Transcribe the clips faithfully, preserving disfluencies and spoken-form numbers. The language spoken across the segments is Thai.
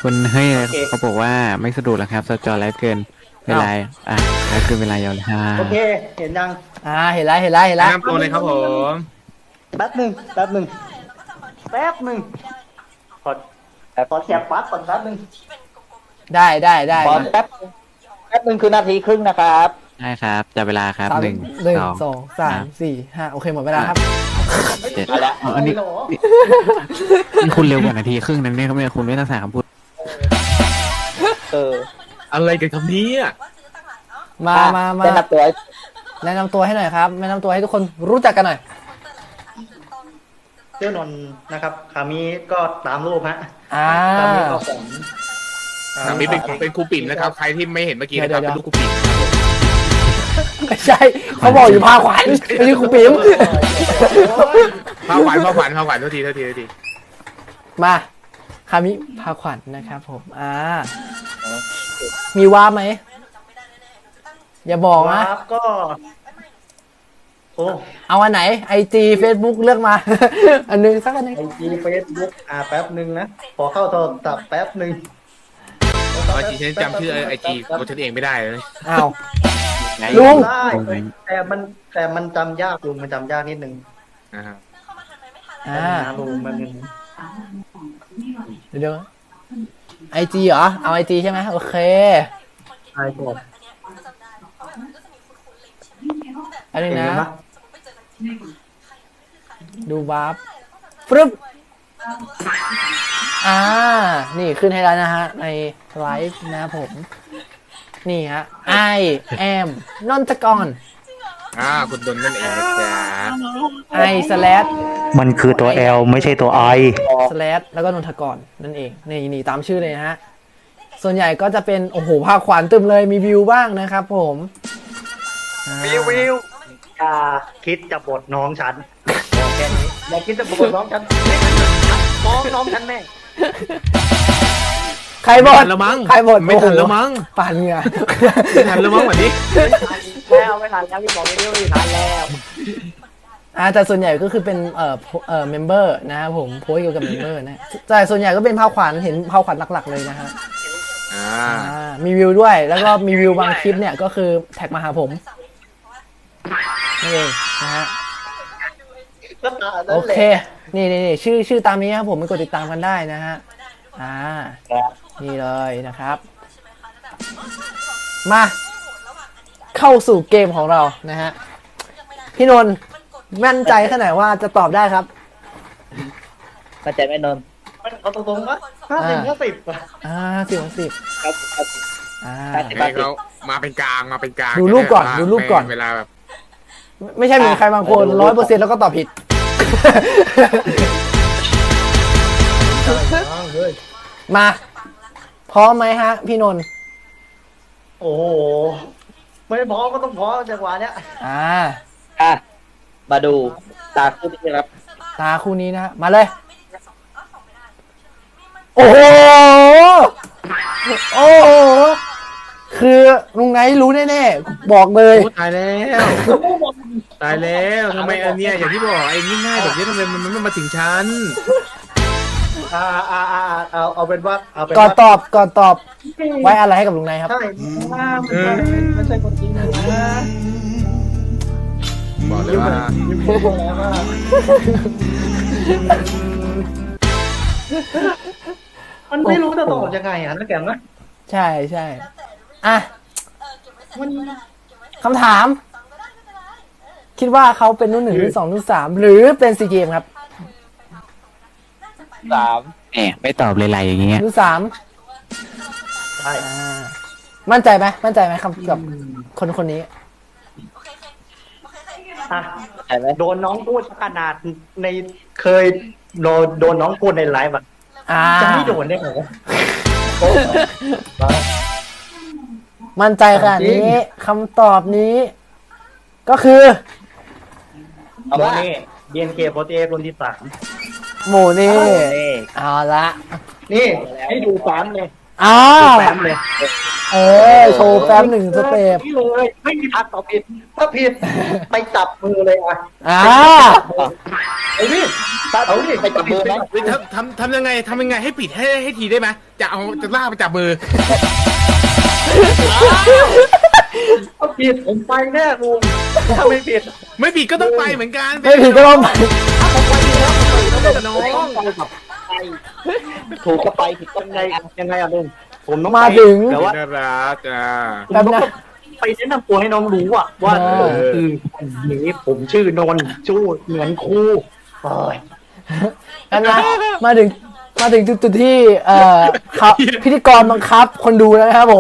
คุณเฮ้ยเขาบอกว่าไม่สะดวกแล้วครับสจอไลฟ์เกินเวลาอ่ะไลฟ์เกินเวลายาวเลยฮะโอเคเห็นยังอ่าเห็นแล้วเห็นแล้วเห็นแล้วแนะนำตัวเลยครับผมแป๊บหนึ่งแป๊บหนึ่งแป๊บหนึ่งขอขอแชร์ปั๊บก่อนแป๊บหนึ่งได้ได้ได้ขอแป๊บแป๊บหนึ่งคือนาทีครึ่งนะครับใช่ครับจับเวลาครับสามหนึ่งหนึ่งสองสองสามสี่ห้าโอเคหมดเวลาครับเจ็ดอันนี้นี่คุณเร็วกว่านาทีครึ่งนั้นเนี่ยเขาไม่คุณไม่ต้องสาคำพูดเอออะไรกันครับนี้มามามาแนะนำตัวแนะนำตัวให้หน่อยครับแนะนำตัวให้ทุกคนรู้จักกันหน่อยเจ้านนนะครับขามีก็ตามรูปฮะอ่าขามีก็ของขามีเป็นเป็นครูปิ่นนะครับใครที่ไม่เห็นเมื่อกี้นะครับเป็นลูกครูปิ่นไม่ใช่เขาบอกอยู่พาขวัญไม่ใช่ครูปิ๋มพาขวัญพาขวัญพาขวัญเท่าทีเท่าทีเท่าทีมาคามิพาขวัญนะครับผมอ่ามีวาร์ปไหมอย่าบอกนะก็โอ้เอาอันไหนไอจีเฟซบุ๊กเลือกมาอันนึงสักอันนึงไอจีเฟซบุ๊กอ่าแป๊บหนึ่งนะขอเข้าโทรศัพท์แป๊บหนึ่งไอจีฉันจำชื่อไอจีของฉันเองไม่ได้เลยอ้าวลุงแต่มันแต่มันจำยากลุงมันจำยากนิดนึงอ่าอ่าลุงมันเดี๋ยวไอจีเหรอเอาไอจีใช่ไหมโอเคใช่ครับอันนี้นะดูวาร์ปฟึบอ่านี่ขึ้นให้แล้วนะฮะในไลฟ์นะผมนี่ฮะ I am นนทกรอ่าคุณดนนั่นเองนะจ๊ะ I slash มันคือตัว L ไม่ใช่ตัว I slash แล้วก็นนทกรนั่นเองนี่นี่ตามชื่อเลยนะฮะส่วนใหญ่ก็จะเป็นโอ้โหภาคขวัญตึมเลยมีวิวบ้างนะครับผมวิววิวอย่าคิดจะบทน้องฉันบอกแค่นี้อย่าคิดจะบทน้องฉันน้องน้องฉันแม่ใครบทแล้วมั้งใครบทไม่ทันแล้วมั้งปั่นเหงื่อไม่ทันแล้วมั้งวันนี้แล้วไม่ทันแล้วพี่บอกไม่ได้ไม่ทันแล้วอ่าแต่ส่วนใหญ่ก็คือเป็นเอ่อเอ่อเมมเบอร์นะครับผมโพสเกี่ยวกับเมมเบอร์นะแต่ส่วนใหญ่ก็เป็นภาคขวัญเห็นภาคขวัญหลักๆเลยนะฮะอ่ามีวิวด้วยแล้วก็มีวิวบางคลิปเนี่ยก็คือแท็กมาหาผมนี่เองนะฮะโอเคนี่นี่นี่ชื่อชื่อตามนี้ครับผมไปกดติดตามกันได้นะฮะอ่านี่เลยนะครับมาเข้าสู่เกมของเรานะฮะพี่นนท์มั่นใจแค่ไหนว่าจะตอบได้ครับมั่นใจไหมนนท์เอาตรงๆว่าห้าสิบห้าสิบอ่าสิบสิบครับครับอ่าเขามาเป็นกลางมาเป็นกลางดูรูปก่อนดูรูปก่อนเวลาแบบไม่ใช่มีใครบางคนร้อยเปอร์เซ็นต์แล้วก็ตอบผิดมาพร้อมไหมฮะพี่นนท์โอ้โหไม่พร้อมก็ต้องพร้อมจังหวะเนี้ยอ่าอ่ะมาดูตาคู่นี้ครับตาคู่นี้นะมาเลยโอ้โหโอ้โหคือลุงไงรู้แน่ๆบอกเลยตายแล้วตายแล้วทำไมอันเนี้ยอย่างที่บอกไอ้ง่ายๆแบบนี้ทำไมมันไม่มาถึงฉันอ่าอ่าอ่าเอาเอาเป็นว่าเอาเป็นก่อนตอบก่อนตอบไว้อะไรให้กับลุงนายครับใช่ไม่ใช่คนจริงนะบอกเลยว่ามันไม่รู้จะตอบยังไงอ่ะนักแกมนะใช่ใช่อ่ะคำถามคิดว่าเขาเป็นรุ่นหนึ่งรุ่นสองรุ่นสามหรือเป็นซีเกมครับสามแหมไม่ตอบเลยไรอย่างเงี้ยรุ่นสามใช่มั่นใจไหมมั่นใจไหมครับกับคนคนนี้โดนน้องพูดขนาดในเคยโดนโดนน้องพูดในไลฟ์อ่ะจะไม่โดนได้ไงมั่นใจขนาดนี้คำตอบนี้ก็คือโมเน่ บี เอ็น เค โฟร์ตี้เอทรุ่นที่สามโมเน่เอาละนี่ให้ดูแฟ้มเลยอ้าวแฟ้มเลยเออโชว์แป๊บหนึ่งสเต็ปนี่เลยไม่มีทางตอบผิดถ้าผิดไปจับมือเลยอ่ะอ่าเอาดิเอาดิไปจับมือไหมเฮ้ยทำทำทำยังไงทำยังไงให้ปิดให้ให้ทีได้ไหมจะเอาจะล่ากไปจับมือถ้าผิดผมไปแน่ลุงถ้าไม่ผิดไม่ปิดก็ต้องไปเหมือนกันไม่ผิดก็ต้องไปน้องถูกก็ไปผิดก็ยังไงยังไงอ่ะลุงผมต้องมาถึงแต่ว่าน่ารักอ่ะผมต้องไปแนะนำตัวให้น้องรู้อ่ะว่าเออคืออย่างนี้ผมชื่อนนท์ชู้เหมือนครูเอ้ยกันนะมาถึงมาถึงจุดๆที่เอ่อเขาพิธีกรบังคับคนดูแล้วนะครับผม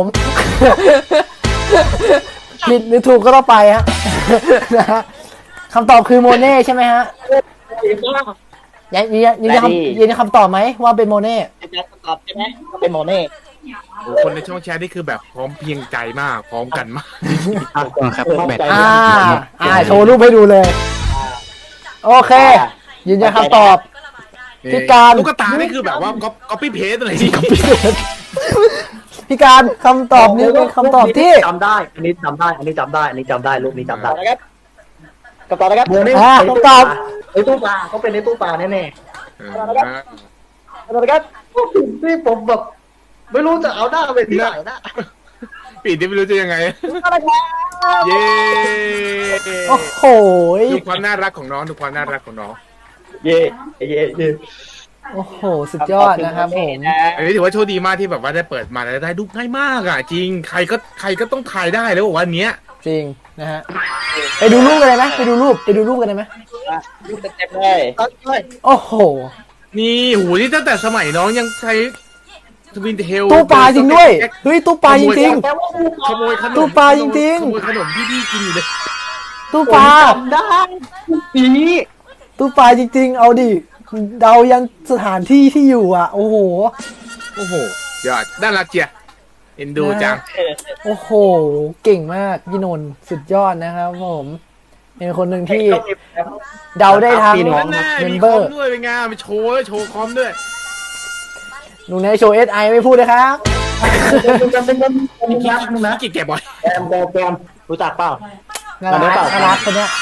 ผิดหรือถูกก็ต้องไปฮะ นะฮะคำตอบคือโมเน่ใช่ไหมฮะยืนยันยืนยันคำยืนยันคำตอบไหมว่าเป็นโมเน่จะตอบใช่ไหมก็เป็นโมเน่โอ้คนในช่องแชทนี่คือแบบพร้อมเพรียงใจมากพร้อมกันมากครับแบตอ่าอ่าโชว์รูปให้ดูเลย โอเค ยืนยันคำตอบ พี่การลูกตานี่คือแบบว่าก๊อปก๊อปปี้เพสอะไรที่ก๊อปปี้พี่การคำตอบนี้เป็นคำตอบที่จำได้ อันนี้จำได้ อันนี้จำได้ อันนี้จำได้รูปนี้จำได้นะครับคำตอบนะครับโมเน่อ่าในตู้ตปอลาบในตู้ปลาเขาเป็นในตู้ปลาแน่คำตอบนะครับๆนี่ผมแบบไม่รู้จะเอาหน้าไปที่ไหนนะปิดที่ไม่รู้จะยังไง เย้โอ้โหดูความน่ารักของน้องดูความน่ารักของน้องเย่เย่เย่โอ้โห สุดยอดนะครับผมอันนี้ถือว่าโชคดีมากที่แบบว่าได้เปิดมาแล้วได้ดูง่ายมากอ่ะจริงใครก็ใครก็ต้องถ่ายได้แล้วบอกว่าอันเนี้ยจริงนะฮะ ไปดูรูปกันเลยไหมไปดูรูป ไปดูรูปกันเลยไหมรูปเต็มๆเลยโอ้โหนี่หูนี่ตั้งแต่สมัยน้องยังใช้ทวินเทลตู้ปลาจริงด้วย เฮ้ย ตู้ปลาจริงขโมยขนมตู้ปลาจริงๆขโมยขนมที่พี่กินอยู่เลยๆ ตู้ปลาจำได้ปีนี้ตู้ปลาจริงๆ เอาดิ เดายันสถานที่ที่อยู่อ่ะ โอ้โหโอ้โหยอดน่ารักเจียเอ็นดูจังโอ้โห เก่งมากพี่นนท์สุดยอดนะครับผม เป็นคนหนึ่งที่เดาได้ทั้งพี่น้องนั่นน่ะเมมีมคเบออมร์ด้วยเป็นไงานมาโชว์ด้วยโชว์คอมด้วยหนูในโชว์เอสไอไม่พูดเลยครับจำเป็นคนคนรักนึงนะกินแกะบ่อยแอมแบมแบมรู้จักเปล่าน่ารักน่ารักคนเนี้ย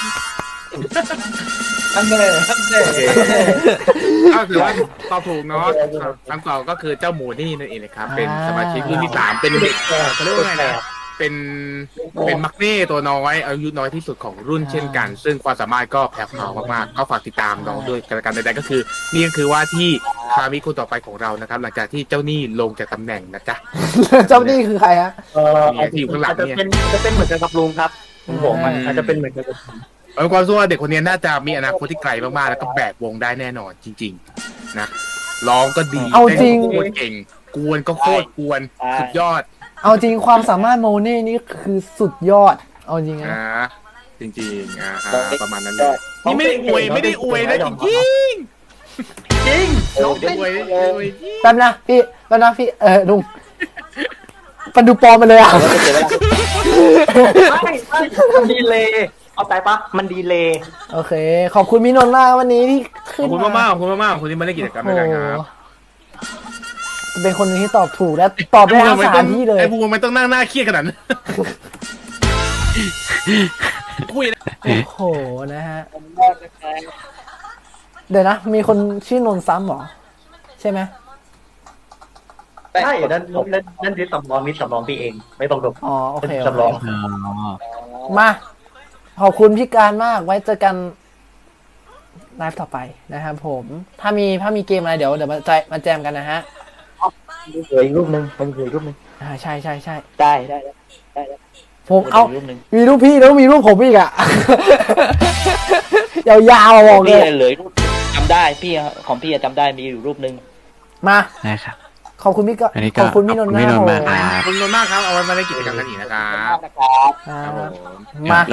อันเน่อันเน่โอเคก็ถือว่าตอบถูกเนาะคำตอบก็คือเจ้าหมูนี่นั่นเองนะครับ เป็นสมาชิกรุ่นที่สามเป็นเด็กเขาเรียกว่าไงนะเป็นเป็นมักเน่ตัวน้อยอายุน้อยที่สุดของรุ่นเช่นกัน ซึ่งความสามารถก็แผ่วพราวมากๆ ก็ฝากติดตามน้องด้วยกันละกันใดๆก็คือ นี่ก็คือว่าที่คามิคนต่อไปของเรานะครับ หลังจากที่เจ้าหนี้ลงจากตำแหน่งนะจ๊ะเจ้านี่คือใครฮะเออเนี่ยที่อยู่ข้างหลังอาจจะเนี่ยเป็นจะเป็นเหมือนกันกับลุงครับผมมันอาจจะเป็นเหมือนกันกับผมเอาความรู้ว่าเด็กคนนี้น่าจะมีอนาคตที่ไกลมากๆแล้วก็แบกวงได้แน่นอนจริง ๆ นะร้องก็ดีเอาจริงต้นก็โคตรเก่ง กวนก็โคตรกวนสุดยอดเอาจริงความสามารถโมเน่นี่คือสุดยอด เอาจริงนะอ่าจริงๆอ่าฮะประมาณนั้นเลยนี่ไม่ได้อวยไม่ได้อวยนะจริงจริงจริงๆน้องอวยไม่ได้อวยจริงแป๊บนะพี่แป๊บนะพี่ เออลุงปันดูปลอมไปเลยอ่ะไม่ไม่มันดีเลยเอาใจปะมันดีเลยโอเค ขอบคุณพี่นนท์มากวันนี้ที่ขขึ้อน บคุณมากๆขอบคุณมากๆขอบคุณที่มาเล่นกิจกรรมโอ้ด้วยโหกันครับเป็นคนหนึงที่ตอบถูกและตอบได้ทั้งสถานที่เลยไอ้บูมมันต้องนั่งหน้าเครียดขนาดนั้นคุยนะโอ้โห นะฮะ เดี๋ยวนะ มีคนชื่อนนท์ซ้ำเหรอ ใช่ไหมใช่นั่นนั่นนั่นดิสสำรองนิดสำรองพี่เอง ไม่ต้องดูอ๋อ โอเคโอสำรองเคมา ขอบคุณพี่การมาก ไว้เจอกันไลฟ์ต่อไปนะครับผม ถ้ามีถ้ามีเกมอะไรเดี๋ยวเดี๋ยวมาใจมาแจมกันนะฮะเหลืออีกรูปหนึ่งมันเหลืออีกรูปหนึ่งอ่า ใช่ใช่ใช่ได้ได้ได้ได้ได้ผมเอารูปหนึ่งมีรูปพี่แล้วมีรูปผมอีกอะ ยาวๆอะบอกเลพี่ยเหลืออีกรูปจำได้พี่ของพี่อะจำได้มีอยู่รูปหนึ่งมานะครับขอบคุณพี่ก็อันนี้ก็ขอบคุณพี่นนท์ขอบคุณพี่นนท์มากมากครับขอบคุณมากครับเอาไว้มาเล่นกิจกรรมกันอีกนะครับนะครับอ่าครับผมมา